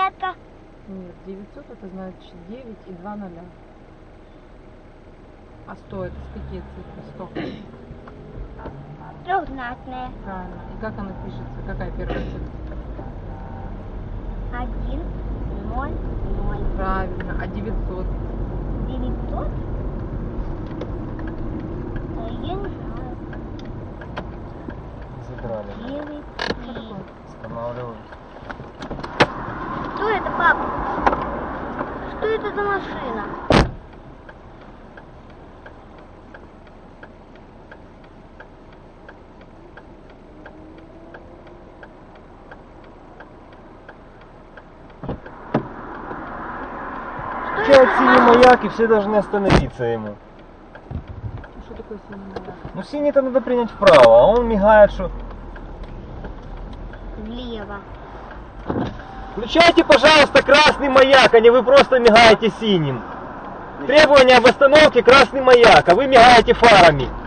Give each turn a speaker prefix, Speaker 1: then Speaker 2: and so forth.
Speaker 1: десятка.
Speaker 2: Нет, 900 это значит 9 и 2 ноля. А 100 это с какие цифры? 100.
Speaker 1: Трехзнатная.
Speaker 2: Правильно. И как она пишется? Какая первая цифра?
Speaker 1: 1, 0, 0.
Speaker 2: Правильно. А 900?
Speaker 1: 900? Я не знаю.
Speaker 3: Задрали.
Speaker 1: 9,
Speaker 2: Что такое?
Speaker 3: Останавливаюсь.
Speaker 1: Что это, папа? Что это за машина?
Speaker 3: Включают синий маяк, и все должны остановиться ему.
Speaker 2: Что такое синий маяк?
Speaker 3: Ну синий-то надо принять вправо, а он мигает, что...
Speaker 1: Влево.
Speaker 3: Включайте, пожалуйста, красный маяк, а не вы просто мигаете синим. Требование об остановке красный маяк, а вы мигаете фарами.